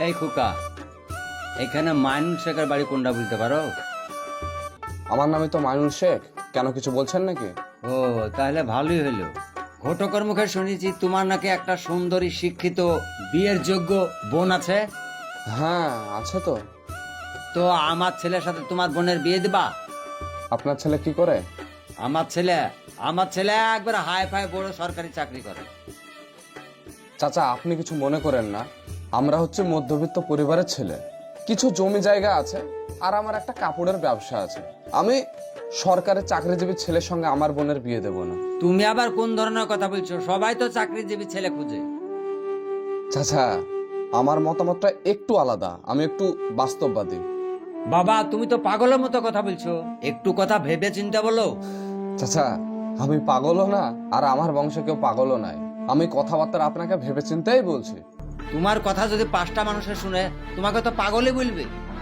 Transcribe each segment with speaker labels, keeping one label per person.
Speaker 1: এই খোকা, এখানে মাইনুল শেখের বাড়ি কোনটা বলতে পারো?
Speaker 2: আমার নামে তো মাইনুল শেখ, কেন কিছু বলছেন নাকি?
Speaker 1: ও, তাহলে ভালোই হলো। ঘটকের মুখে শুনেছি তোমার নাকি একটা সুন্দরী শিক্ষিত বিয়ের যোগ্য বোন আছে।
Speaker 2: হ্যাঁ আছে তো।
Speaker 1: তো আমার ছেলের সাথে তোমার বোনের বিয়ে দিবা?
Speaker 2: আপনার ছেলে কি করে?
Speaker 1: আমার ছেলে একবার হাই ফাই বড় সরকারি চাকরি করে।
Speaker 2: চাচা আপনি কিছু মনে করেন না, আমরা হচ্ছে মধ্যবিত্ত পরিবারের ছেলে, কিছু জমি জায়গা আছে আর আমার একটা কাপড়ের ব্যবসা আছে। আমি সরকারি চাকরিজীবী ছেলের সঙ্গে আমার বোনের বিয়ে দেব না।
Speaker 1: তুমি আবার কোন ধরনের কথা বলছো? সবাই তো চাকরিজীবী ছেলে খুঁজে।
Speaker 2: চাচা আমার মতামতটা একটু আলাদা, আমি একটু বাস্তববাদী।
Speaker 1: বাবা, তুমি তো পাগলের মতো কথা বলছো, একটু কথা ভেবে চিন্তা বলো।
Speaker 2: চাচা আমি পাগলও না আর আমার বংশে কেউ পাগলও নাই, আমি কথাবার্তা আপনাকে ভেবে চিন্তেই বলছি।
Speaker 1: তোমার কথা যদি 5টা মানুষে শুনে তোমাকে তো পাগলই বলবে।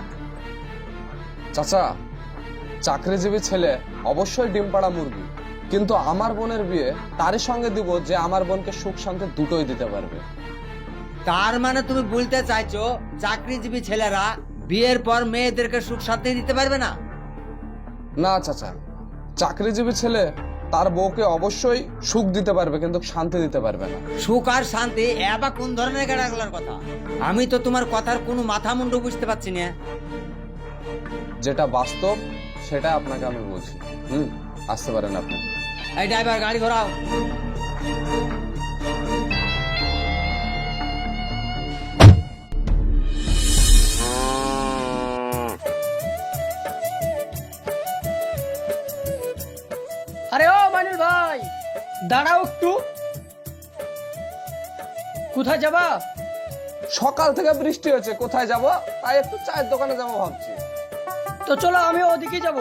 Speaker 2: চাচা চাকরিজীবী ছেলে অবশ্যই ডিম পাড়া মুরগি, কিন্তু আমার বোনের বিয়ে তারই সঙ্গে দিব যে আমার বোনকে সুখ শান্তি দুটোই দিতে পারবে।
Speaker 1: তার মানে তুমি বলতে চাইছো চাকরিজীবী ছেলেরা বিয়ের পর মেয়েদেরকে সুখ শান্তি দিতে পারবে না?
Speaker 2: না চাচা, চাকরিজীবী ছেলে তার বউকে অবশ্যই সুখ দিতে পারবে কিন্তু শান্তি দিতে পারবে না।
Speaker 1: সুখ আর শান্তি এবার কোন ধরনের গেড়াগুলার কথা? আমি তো তোমার কথার কোনো মাথা মুন্ডু বুঝতে পারছি না।
Speaker 2: যেটা বাস্তব সেটা আপনাকে আমি বলছি। আসতে পারেন আপনি।
Speaker 1: এই ড্রাইভার, গাড়ি ঘোরাও।
Speaker 3: আরে ও মাইনুল ভাই, দাঁড়াও একটু। কোথায় যাবা?
Speaker 2: সকাল থেকে বৃষ্টি হচ্ছে, কোথায় যাব? তাই একটু চায়ের দোকানে যাবো ভাবছি।
Speaker 3: তো চলো আমি ওদিকে যাব।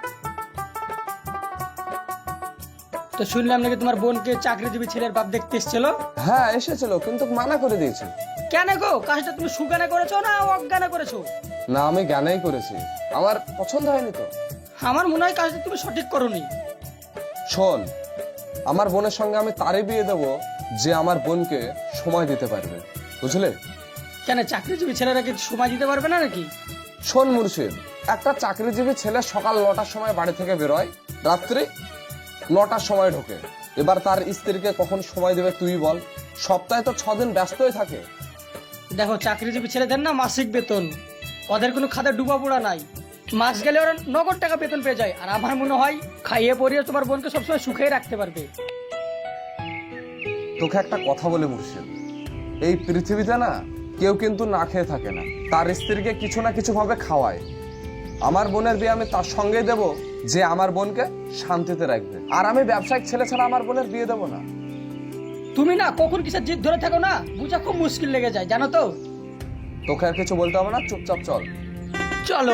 Speaker 3: তো শুনলাম নাকি তোমার বোনকে চাকরিজীবী ছেলের বাপ দেখতে এসেছিল?
Speaker 2: হ্যাঁ এসেছিল, কিন্তু মানা করে দিয়েছি।
Speaker 3: কেন গো, কাজটা তুমি সুজ্ঞানে করেছো না অজ্ঞানে করেছো?
Speaker 2: না আমি জ্ঞানেই করেছি, আমার পছন্দ হয়নি তো।
Speaker 3: আমার মনে হয় কাজটা তুমি সঠিক করোনি।
Speaker 2: শোন, আমার বোনের সঙ্গে আমি তারই বিয়ে দেবো যে আমার বোনকে সময় দিতে পারবে, বুঝলে?
Speaker 3: কেন চাকরিজীবী ছেলেরা কি সময় দিতে পারবে না নাকি?
Speaker 2: শোন মুর্শিদ, একটা চাকরিজীবী ছেলে সকাল 9টার সময় বাড়ি থেকে বেরোয়, রাত্রি 9টার সময় ঢোকে। এবার তার স্ত্রীকে কখন সময় দেবে তুই বল? সপ্তাহে তো 6 দিন ব্যস্তই থাকে।
Speaker 3: দেখো চাকরিজীবী ছেলেদের না মাসিক বেতন, ওদের কোনো খাতে ডুবা পোড়া নাই। মাস গেলে ওরা নগদ টাকা বেতন পেয়ে যায়। আর আমার মনে হয় খাইয়ে পরিয়ে তোমার বোনকে সবসময় সুখেই রাখতে পারবে।
Speaker 2: তোকে একটা কথা বলে মুর্শিদ, এই পৃথিবীতে না কেউ কিন্তু না খেয়ে থাকে না, তার স্ত্রীকে কিছু না কিছু ভাবে খাওয়ায়। আমার বোনের বিয়ে আমি তার সঙ্গেই দেব যে আমার বোনকে শান্তিতে রাখবে, আর আমি ব্যবসায়িক ছেলে ছাড়া আমার বোনের বিয়ে দেবো না।
Speaker 3: তুমি না কখন কিসের জিদ ধরে থাকো না, বুঝা খুব মুশকিল লেগে যায় জানো তো।
Speaker 2: তোকে আর কিছু বলতে হবে না, চুপচাপ চল।
Speaker 3: চলো।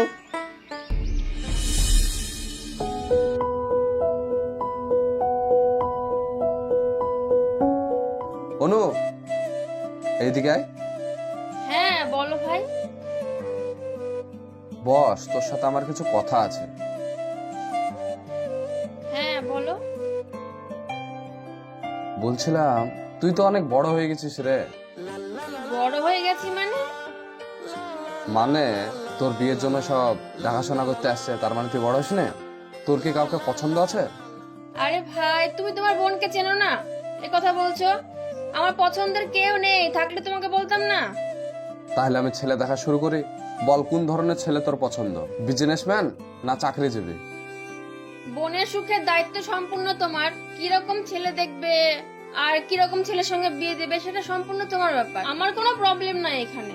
Speaker 2: অনু এইদিকে আয়।
Speaker 4: হ্যাঁ বলো ভাই।
Speaker 2: বস, তোর সাথে আমার কিছু কথা আছে।
Speaker 4: হ্যাঁ বলো।
Speaker 2: বলছিলাম তুই তো অনেক বড় হয়ে গেছিস রে।
Speaker 4: বড় হয়ে গেছি মানে?
Speaker 2: মানে তোর বিয়ের জন্য সব দেখাশোনা করতে আসছে, তার মানে তুই বড় হস না? তোর কি কাউকে পছন্দ আছে?
Speaker 4: আরে ভাই, তুমি তোমার বোনকে চেনো না, এ কথা বলছো? আমার পছন্দের কেউ নেই, থাকলে তোমাকে বলতাম না।
Speaker 2: তাহলে আমি ছেলে দেখা শুরু করি। বল কোন ধরনের ছেলে তোর পছন্দ, বিজনেসম্যান না চাকরিজীবী?
Speaker 4: বোনের সুখের দায়িত্ব সম্পূর্ণ তোমার। কিরকম ছেলে দেখবে আর কিরকম ছেলের সঙ্গে বিয়ে দেবে সেটা সম্পূর্ণ তোমার ব্যাপার, আমার কোনো প্রবলেম নাই এখানে।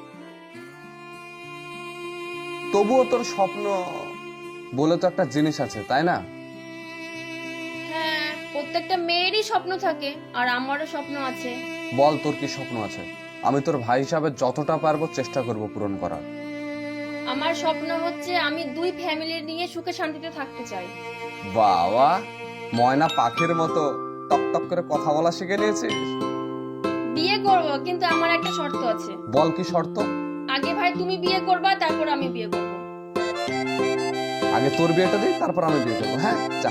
Speaker 2: তবুও তোর স্বপ্ন বলে তো একটা জিনিস আছে, তাই না?
Speaker 4: হ্যাঁ, প্রত্যেকটা মেয়েরই স্বপ্ন থাকে, আর আমারও স্বপ্ন আছে।
Speaker 2: বল তোর কি স্বপ্ন আছে? আমি তোর ভাই হিসাবে যতটা পারবো চেষ্টা করব পূরণ করার।
Speaker 4: আমার স্বপ্ন হচ্ছে আমি 2 ফ্যামিলি নিয়ে সুখে শান্তিতে থাকতে চাই।
Speaker 2: বাবা, ময়না পাখির মতো টক টক করে কথা বলা শিখে নিয়েছিস।
Speaker 4: বিয়ে করব, কিন্তু আমার একটা শর্ত আছে।
Speaker 2: বল কি শর্ত?
Speaker 4: আগে ভাই তুমি বিয়ে করবা, তারপর আমি বিয়ে করব।
Speaker 2: আগে তোর বিয়েটা দিই, তারপর আমি বিয়ে করবো। হ্যাঁ যা।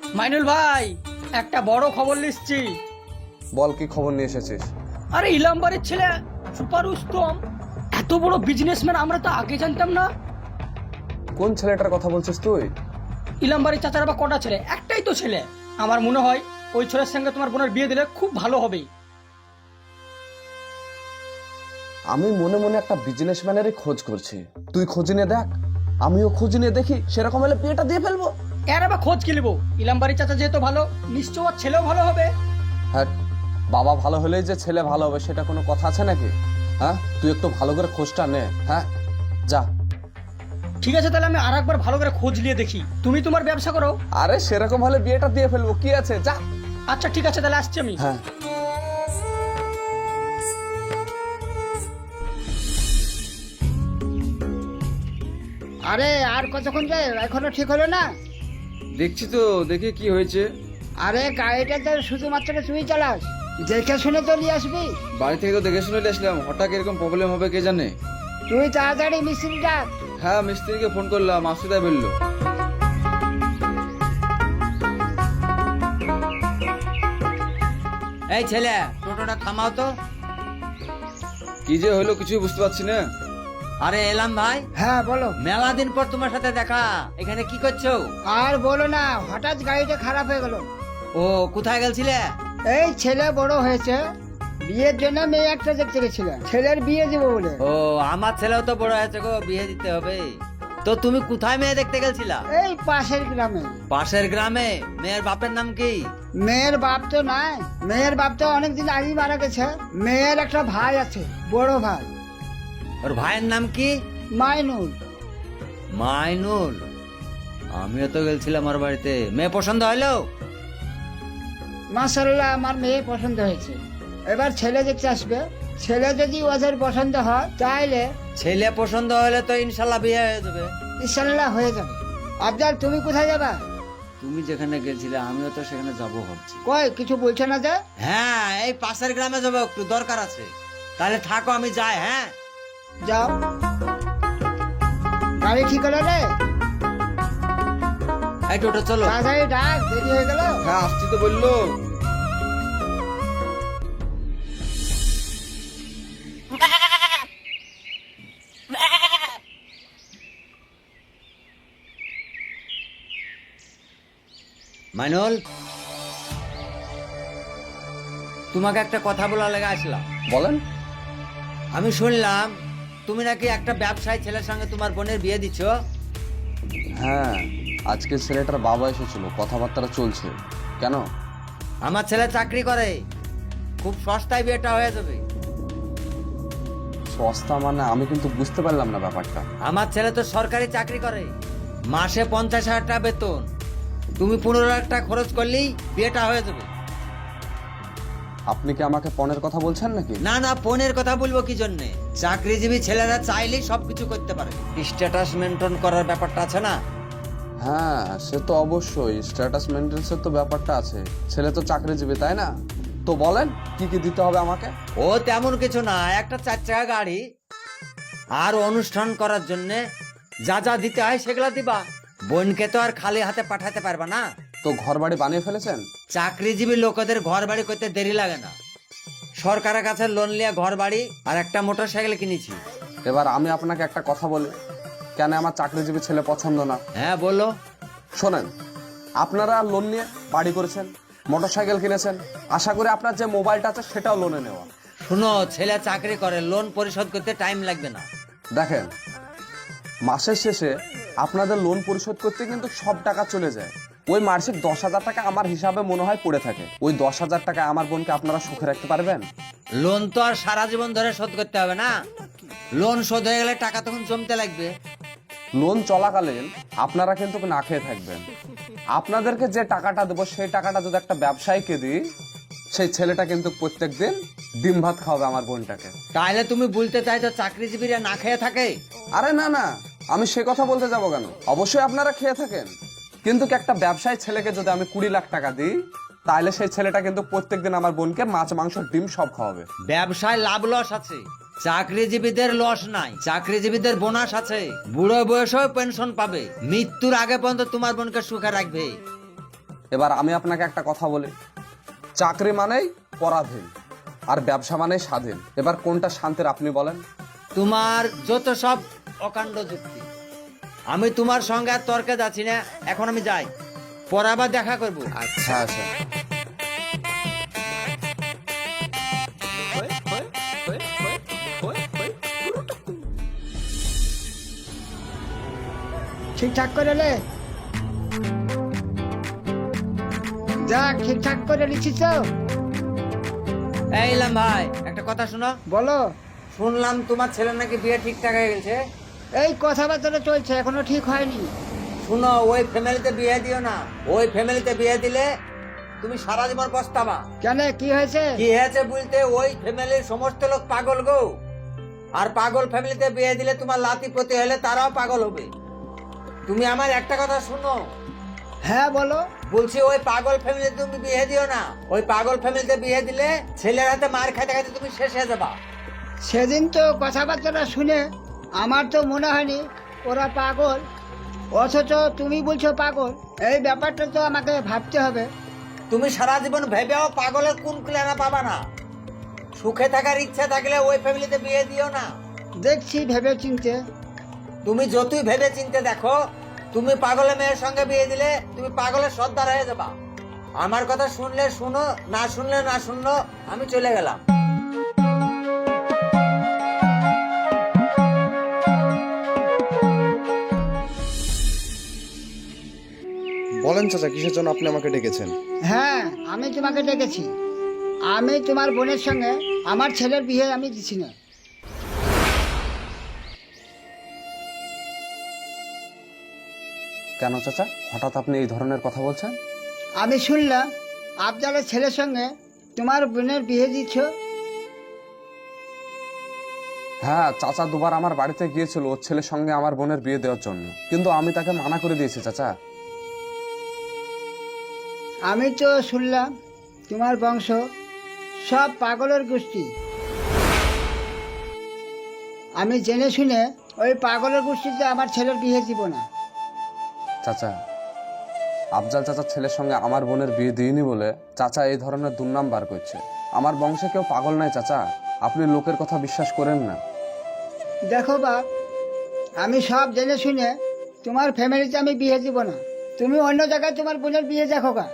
Speaker 3: মাইনুল ভাই, একটা বড় খবর লিখছি।
Speaker 2: বল, কি খবর নিয়ে এসেছিস?
Speaker 3: আরে ইলামবাড়ির ছেলে সুপার উত্তম এত বড় বিজনেসম্যান, আমরা তো আগে জানতাম না।
Speaker 2: কোন ছেলেটার কথা বলছিস তুই?
Speaker 3: ইলামবাড়ির চাচার আবার কটা ছেলে? একটাই তো ছেলে। আমার মনে হয় ওই ছেলের সঙ্গে তোমার বোনের বিয়ে দিলে খুব ভালো হবে।
Speaker 2: আমি মনে মনে একটা বিজনেসম্যানেরই খোঁজ করছি, তুই খোঁজ নিয়ে দেখ, আমিও খোঁজ নিয়ে দেখি, সেরকম হলে বিয়েটা দিয়ে ফেলবো।
Speaker 3: এর আবার খোঁজ কি নেবো? ইলামবাড়ির চাচা যেহেতু ভালো, নিশ্চয় ওর ছেলেও ভালো হবে।
Speaker 2: হ্যাঁ, বাবা ভালো হলেই যে ছেলে ভালো হবে সেটা কোনো কথা আছে নাকি? হ্যাঁ, তুই একটু ভালো করে খোঁজটা নে। হ্যাঁ, যা।
Speaker 3: ঠিক আছে, তাহলে আমি আর একবার ভালো করে খোঁজ নিয়ে দেখি। তুমি তোমার ব্যবসা করো।
Speaker 2: আরে সেরকম হলে বিয়েটা দিয়ে ফেলবো, কি আছে, যা।
Speaker 3: আচ্ছা ঠিক আছে, তাহলে আসছি আমি।
Speaker 2: হ্যাঁ।
Speaker 5: আরে আর কতক্ষণ যায়, এখনো ঠিক হলো না?
Speaker 6: দেখছি তো, দেখে কি হয়েছে।
Speaker 5: আরে গাড়িটা তো শুধুমাত্র তুই চালাস, দেখে শুনে তো নিয়ে আসবি।
Speaker 6: বাড়ি থেকে তো দেখে শুনে আসলাম, হঠাৎ এরকম প্রবলেম হবে কে জানে।
Speaker 5: তুই তাড়াতাড়ি মিস্ত্রি ডাক।
Speaker 6: হ্যাঁ, মিস্ত্রিকে ফোন করলাম, আসতে তাই বললো।
Speaker 1: এই ছেলে, টোটোটা থামাও তো।
Speaker 6: কি যে হলো কিছুই বুঝতে পারছি না।
Speaker 1: আরে এলাম ভাই,
Speaker 5: হ্যাঁ বলো।
Speaker 1: মেলা দিন পর তোমার সাথে দেখা, এখানে কি করছো?
Speaker 5: আর বলো না, হঠাৎ গাড়িটা খারাপ হয়ে গেল।
Speaker 1: ও, কোথায় গেছিলে?
Speaker 5: এই ছেলে বড় হয়েছে, বিয়ের জন্য মেয়ে একটা দেখতে গেছিলাম, ছেলের বিয়ে দেবো বলে।
Speaker 1: ও, আমার ছেলেও তো বড় হয়েছে গো, বিয়ে দিতে হবে। তো তুমি কোথায় মেয়ে দেখতে গেছিলা?
Speaker 5: এই পাশের গ্রামে।
Speaker 1: পাশের গ্রামে? মেয়ের বাপের নাম কি?
Speaker 5: মেয়ের বাপ তো নাই, মেয়ের বাপ তো অনেকদিন আগেই মারা গেছে। মেয়ের একটা ভাই আছে, বড় ভাই।
Speaker 1: ওর ভাইয়ের নাম কি?
Speaker 5: মাইনুল।
Speaker 1: মাইনুল? আমিও তো গেছিলাম ওর বাড়িতে। মেয়ে পছন্দ হলো?
Speaker 5: মাশাআল্লাহ, আমার মেয়ে পছন্দ হয়েছে। এবার ছেলে দেখতে আসবে, ছেলে যদি ওদের পছন্দ হয় তাহলে
Speaker 1: ছেলে পছন্দ হলে তো ইনশাল্লাহ বিয়ে হয়ে যাবে।
Speaker 5: ইনশাল্লাহ হয়ে যাবে। আবদার, তুমি কোথায় যাবা?
Speaker 1: তুমি যেখানে গেছিলে আমিও তো সেখানে যাবো ভাবছি।
Speaker 5: কই কিছু বলছে না যে?
Speaker 1: হ্যাঁ, এই পাশের গ্রামে যাবো, একটু দরকার আছে। তাহলে থাকো, আমি যাই। হ্যাঁ,
Speaker 5: যাও। গাড়ি ঠিক হলো রে?
Speaker 1: এই টোটো চলো।
Speaker 5: তাড়াতাড়ি ডাক, দেরি হয়ে গেল।
Speaker 6: হ্যাঁ, আসছি তো বললো।
Speaker 1: মাইনুল, তোমাকে একটা কথা বলার লেগে আসলাম।
Speaker 2: বলেন।
Speaker 1: আমি শুনলাম তুমি নাকি একটা ব্যবসায়ী ছেলের সঙ্গে তোমার বোনের বিয়ে দিচ্ছ।
Speaker 2: হ্যাঁ, আজকে ছেলেটার বাবা এসেছিল, কথাবার্তা চলছে। কেন?
Speaker 1: আমার ছেলে চাকরি করে, খুব সস্তায় বিয়েটা হয়ে যাবে।
Speaker 2: সস্তা মানে? আমি কিন্তু বুঝতে পারলাম না ব্যাপারটা।
Speaker 1: আমার ছেলে তো সরকারি চাকরি করে, মাসে 50,000 টাকা বেতন। তুমি 15,000 টাকা খরচ করলেই বিয়েটা হয়ে যাবে।
Speaker 2: আপনি কি আমাকে পণের কথা বলছেন নাকি?
Speaker 1: না না, ফোনের কথা বলবো কি জন্যে? চাকরিজীবী ছেলেরা চাইলেই সবকিছু করতে পারে। স্ট্যাটাস মেনটেন করার ব্যাপারটা আছে না?
Speaker 2: হ্যাঁ, সে তো অবশ্যই, স্ট্যাটাস মেনটেন্সের তো ব্যাপারটা আছে। ছেলে তো চাকরিজীবী, তাই না? তো বলেন, কি কি দিতে হবে আমাকে?
Speaker 1: ও তেমন কিছু না, একটা 4 চাকা গাড়ি আর অনুষ্ঠান করার জন্য যা যা দিতে হয় সেগুলা দিবা। বোনকে তো আর খালি হাতে পাঠাতে পারবা না।
Speaker 2: তো ঘর বাড়ি বানিয়ে ফেলেছেন?
Speaker 1: চাকরিজীবী লোকেদের ঘর বাড়ি করতে দেরি লাগে না। সরকারের কাছে লোন নিয়ে ঘর বাড়ি আর একটা মোটরসাইকেল কিনেছি।
Speaker 2: এবার আমি আপনাকে একটা কথা বলি, কেন আমার চাকরিজীবী ছেলে পছন্দ না?
Speaker 1: হ্যাঁ বলো।
Speaker 2: শোনেন, আপনারা লোন নিয়ে বাড়ি করেছেন, মোটরসাইকেল কিনেছেন, আশা করি আপনার যে মোবাইলটা আছে সেটাও লোনে নেওয়া।
Speaker 1: শুনো, ছেলে চাকরি করে, লোন পরিশোধ করতে টাইম লাগবে না।
Speaker 2: দেখেন, মাসের শেষে আপনাদের লোন পরিশোধ করতে কিন্তু সব টাকা চলে যায়। ওই মাসিক 10,000 টাকা আমার হিসাবে মনে হয় পড়ে থাকে। ওই 10,000 টাকা আমার বোনকে আপনারা সুখে রাখতে পারবেন?
Speaker 1: লোন তো আর সারা জীবন ধরে শোধ করতে হবে না, লোন শোধ হয়ে গেলে টাকা তখন জমতে লাগবে।
Speaker 2: লোন চলাকালীন আপনারা কিন্তু না খেয়ে থাকবেন। আপনাদেরকে যে টাকাটা দেবো সেই টাকাটা যদি একটা ব্যবসায়ীকে দিই, সেই ছেলেটা কিন্তু প্রত্যেকদিন ডিম ভাত খাওয়াবে আমার বোনটাকে।
Speaker 1: তাহলে তুমি বলতে চাইছো চাকরিজীবীরা না খেয়ে থাকে?
Speaker 2: আরে না না, আমি সে কথা বলতে যাবো কেন? অবশ্যই আপনারা খেয়ে থাকেন, কিন্তু একটা ব্যবসায়ী ছেলেকে যদি আমি 20 লাখ টাকা দিই, তাহলে সেই ছেলেটা কিন্তু প্রত্যেকদিন আমার বোনকে মাছ মাংস ডিম সব খাওয়াবে।
Speaker 1: ব্যবসায় লাভ লস আছে, চাকরিজীবীদের লস নাই। চাকরিজীবীদের বোনাস আছে, বুড়ো বয়সেও পেনশন পাবে, মৃত্যুর আগে পর্যন্ত তোমার বোনকে সুখে রাখবে।
Speaker 2: এবার আমি আপনাকে একটা কথা বলি, চাকরি মানেই পরাধীন আর ব্যবসা মানেই স্বাধীন। এবার কোনটা শান্তির আপনি বলেন?
Speaker 1: তোমার যত সব অকাণ্ড যুক্তি, আমি তোমার সঙ্গে আর তর্কে যাচ্ছি না, এখন আমি যাই, পরে আবার দেখা করবো।
Speaker 2: আচ্ছা আচ্ছা।
Speaker 5: ঠিকঠাক করে লে, যাক ঠিকঠাক করে লিখিস তো?
Speaker 1: এইলাম ভাই, একটা কথা শোনো।
Speaker 5: বলো।
Speaker 1: শুনলাম তোমার ছেলের নাকি বিয়ে ঠিকঠাক হয়ে গেছে।
Speaker 5: এই কথাবার্তা চলছে, এখনো ঠিক হয়নি।
Speaker 1: শুনো, ওই ফ্যামিলিতে বিয়ে দিও না। ওই ফ্যামিলিতে বিয়ে দিলে তুমি সারা জীবন পস্তাবা।
Speaker 5: কেন, কি হয়েছে?
Speaker 1: কি হয়েছে বলতে, ওই ফ্যামিলির সমস্ত লোক পাগল গো। আর পাগল ফ্যামিলিতে বিয়ে দিলে তোমার লাতি পতি হলে তারাও পাগল হবে। তুমি আমার একটা কথা শুনো।
Speaker 5: হ্যাঁ বলো।
Speaker 1: বলছি ওই পাগল ফ্যামিলিতে তুমি বিয়ে দিও না। ওই পাগল ফ্যামিলিতে বিয়ে দিলে ছেলের হাতে মার খাইতে খাইতে তুমি শেষ হয়ে যাবা।
Speaker 5: সেদিন তো কথাবার্তা শুনে আমার তো মনে হয়নি ওরা পাগল, অথচ তুমি বলছো পাগল। এই ব্যাপারটা তো আমাকে ভাবতে হবে।
Speaker 1: তুমি সারা জীবন ভেবেও পাগলের কোন ক্লেনা পাবা না। সুখে থাকার ইচ্ছা থাকলে ওই ফ্যামিলিতে বিয়ে দিও না।
Speaker 5: দেখছি ভেবে চিনতে।
Speaker 1: তুমি যতই ভেবে চিনতে দেখো, তুমি পাগলের মেয়ের সঙ্গে বিয়ে দিলে তুমি পাগলের সর্দার হয়ে যাবা। আমার কথা শুনলে শুনো, না শুনলে না শুনলো, আমি চলে গেলাম।
Speaker 6: বলেন চাচা, কিসের জন্য আপনি আমাকে ডেকেছেন?
Speaker 5: হ্যাঁ, আমি তোমাকে ডেকেছি। আমি তোমার বোনের সঙ্গে আমার ছেলের বিয়ে আমি দিছি না।
Speaker 2: কেন চাচা, হঠাৎ আপনি এই ধরনের কথা বলছেন?
Speaker 5: আমি শুনলাম আফজালের ছেলের সঙ্গে তোমার বোনের বিয়ে দিচ্ছ।
Speaker 2: হ্যাঁ, চাচা দুবার আমার বাড়িতে গিয়েছিল ওর ছেলের সঙ্গে আমার বোনের বিয়ে দেওয়ার জন্য, কিন্তু আমি তাকে মানা করে দিয়েছি চাচা।
Speaker 5: আমি তো শুনলাম তোমার বংশ সব পাগলের গোষ্ঠী। আমি জেনে শুনে ওই পাগলের গোষ্ঠীতে আমার ছেলের বিয়ে দিব না।
Speaker 2: চাচা, আফজাল চাচার ছেলের সঙ্গে আমার বোনের বিয়ে দিইনি বলে চাচা এই ধরনের দুর্নাম বার করছে। আমার বংশে কেউ পাগল নাই চাচা, আপনি লোকের কথা বিশ্বাস করেন না।
Speaker 5: দেখো বাপ, আমি সব জেনে শুনে তোমার ফ্যামিলিতে আমি বিয়ে দিব না। তুমি অন্য জায়গায় তোমার বোনের বিয়ে দেখো গা।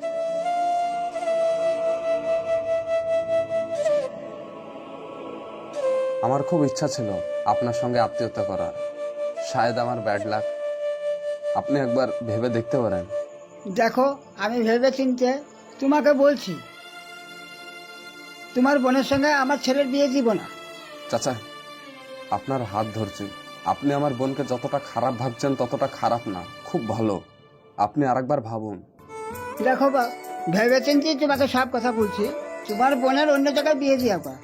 Speaker 2: আমার খুব ইচ্ছা ছিল আপনার সঙ্গে আত্মীয়তা করার, শায়দ আমার ব্যাড লাক। আপনি একবার ভেবে দেখতে পারেন।
Speaker 5: দেখো, আমি ভেবে চিনতে তোমাকে বলছি, তোমার বোনের সঙ্গে আমার ছেলের বিয়ে দিব না।
Speaker 2: চাচা, আপনার হাত ধরছি, আপনি আমার বোনকে যতটা খারাপ ভাবছেন ততটা খারাপ না, খুব ভালো। আপনি আরেকবার ভাবুন।
Speaker 5: দেখো বাপ, ভেবে চিনতে তোমাকে সব কথা বলছি, তোমার বোনের অন্য জায়গায় বিয়ে দিয়া বা।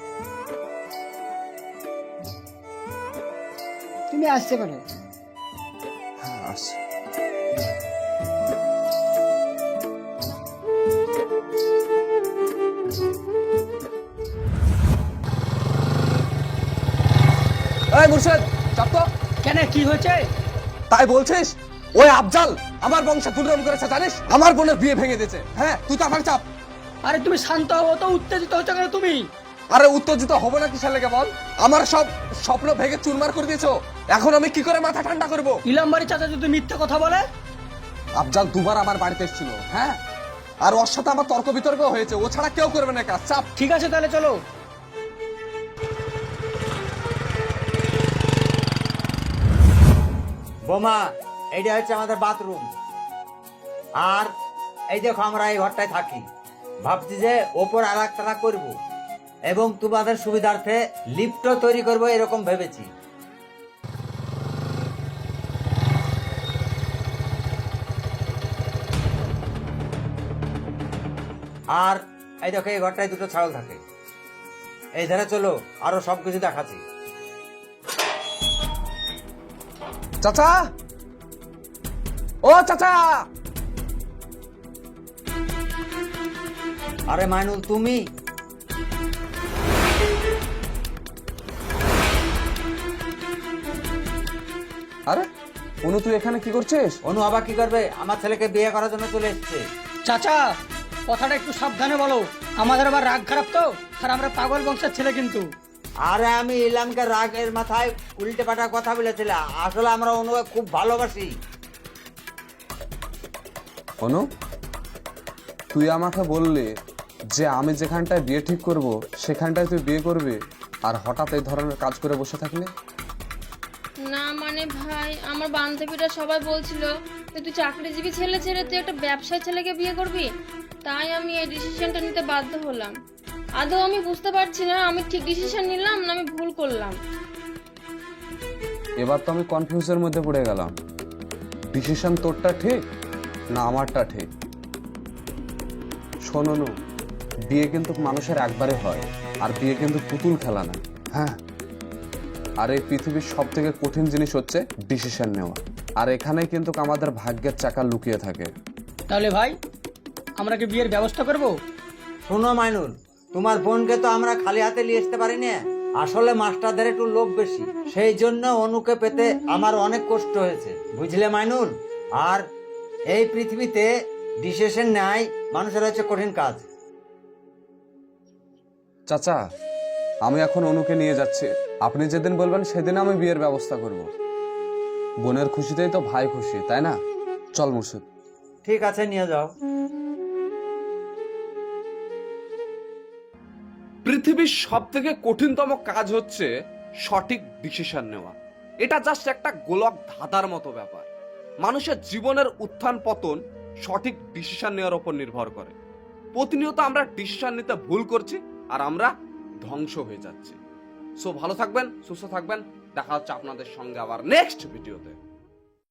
Speaker 5: তুমি আসতে পারো।
Speaker 2: হ্যাঁ, আসছি। এই মুর্শেদ, চাপ তো।
Speaker 3: কেন, কি হয়েছে?
Speaker 2: তাই বলছিস? ওই আফজাল আমার বংশে দুর্নাম করেছে জানিস, আমার বোনের বিয়ে ভেঙে দিয়েছে। হ্যাঁ, তুই তো আমাকে চাপ।
Speaker 3: আরে তুমি শান্ত হও, তো উত্তেজিত হচ্ছ কেন তুমি?
Speaker 2: আরে উত্তেজিত হবো না কিসের লেগে বল? আমার সব স্বপ্ন ভেঙে চুরমার করে দিয়েছো, এখন আমি কি করে মাথা ঠান্ডা করবো?
Speaker 3: ইলামবাড়ি চাচা যদি মিথ্যা কথা বলে?
Speaker 2: আফজাল দুবার আমার বাড়িতে এসেছিল, হ্যাঁ, আর ওর সাথে আমার তর্ক বিতর্ক হয়েছে, ও ছাড়া কেউ করবে না কাজ। চাপ।
Speaker 3: ঠিক আছে, তাহলে চলো।
Speaker 1: বোমা, এইটা হচ্ছে আমাদের বাথরুম। আর এই দেখো, আমরা এই ঘরটায় থাকি। ভাবছি যে ওপর আর একটা করবো এবং তোমাদের সুবিধার্থে লিফটও তৈরি করবো, এরকম ভেবেছি। আর এই দেখো, এই ঘরটায় দুটো ছাগল থাকে। এই ধারে চলো, আরো সবকিছু দেখাচ্ছি।
Speaker 2: চাচা, ও চাচা।
Speaker 1: আরে মাইনুল, তুমি?
Speaker 2: আরে অনু, তুই এখানে কি করছিস?
Speaker 1: অনু আবার কি করবে? আমার ছেলেকে বিয়ে করার জন্য চলে এসছে।
Speaker 3: চাচা কথাটা একটু সাবধানে বলো, আমাদের আবার রাগ খারাপ তো, আর আমরা পাগল বংশের ছেলে কিন্তু।
Speaker 1: আরে আমি ইলামকে রাগের মাথায় উল্টে পাল্টা কথা বলেছিলাম, আসলে আমরা অনুকে খুব ভালোবাসি।
Speaker 2: অনু, তুই আমাকে বললি যে আমি যেখানটায় বিয়ে ঠিক করব সেখানটায় তুই বিয়ে করবি, আর হঠাৎ এই ধরনের কাজ করে বসে থাকলি।
Speaker 4: না মানে ভাই, আমার বান্ধবীরা সবাই বলছিল যে তুই চাকরিজীবী ছেলে ছেড়ে তুই একটা ব্যবসায়ী ছেলেকে বিয়ে করবি, তাই আমি এই ডিসিশনটা নিতে বাধ্য হলাম। আদৌ আমি বুঝতে পারছি না আমি ঠিক ডিসিশন নিলাম না আমি ভুল করলাম।
Speaker 2: এবার তো আমি কনফিউজের মধ্যে পড়ে গেলাম, ডিসিশন তোরটা ঠিক না আমারটা ঠিক। শোন অনু, বিয়ে কিন্তু মানুষের একবারে হয়, আর বিয়ে কিন্তু পুতুল খেলা না। হ্যাঁ, আর এই পৃথিবীর সব থেকে কঠিন জিনিস হচ্ছে ডিসিশন নেওয়া, আর এখানেই কিন্তু আমাদের ভাগ্যের চাকা লুকিয়ে থাকে।
Speaker 3: তাহলে ভাই আমরা কি বিয়ের ব্যবস্থা করব?
Speaker 1: শোনো মাইনুল, তোমার বোনকে তো আমরা খালি হাতে নিয়ে আসতে পারি না, আসলে মাস্টারদের একটু লোভ বেশি, সেই জন্য অনুকে পেতে আমার অনেক কষ্ট হয়েছে, বুঝলে মাইনুল। আর এই পৃথিবীতে ডিসিশন নেয় মানুষের হচ্ছে কঠিন কাজ।
Speaker 2: চাচা, আমি এখন অনুকে নিয়ে যাচ্ছি, আপনি যেদিন বলবেন সেদিন আমি বিয়ের ব্যবস্থা করব। বোনের খুশিতেই তো ভাই খুশি, তাই না? চল মুর্শিদ।
Speaker 1: ঠিক আছে, নিয়ে যাও।
Speaker 2: পৃথিবীর সব থেকে কঠিনতম কাজ হচ্ছে সঠিক ডিসিশন নেওয়া। এটা জাস্ট একটা গোলক ধাঁধার মতো ব্যাপার। মানুষের জীবনের উত্থান পতন সঠিক ডিসিশন নেওয়ার উপর নির্ভর করে। প্রতিনিয়ত আমরা ডিসিশন নিতে ভুল করছি, আর আমরা ধ্বংস হয়ে যাচ্ছি। সো ভালো থাকবেন, সুস্থ থাকবেন, দেখা হচ্ছে আপনাদের সঙ্গে আবার নেক্সট ভিডিওতে।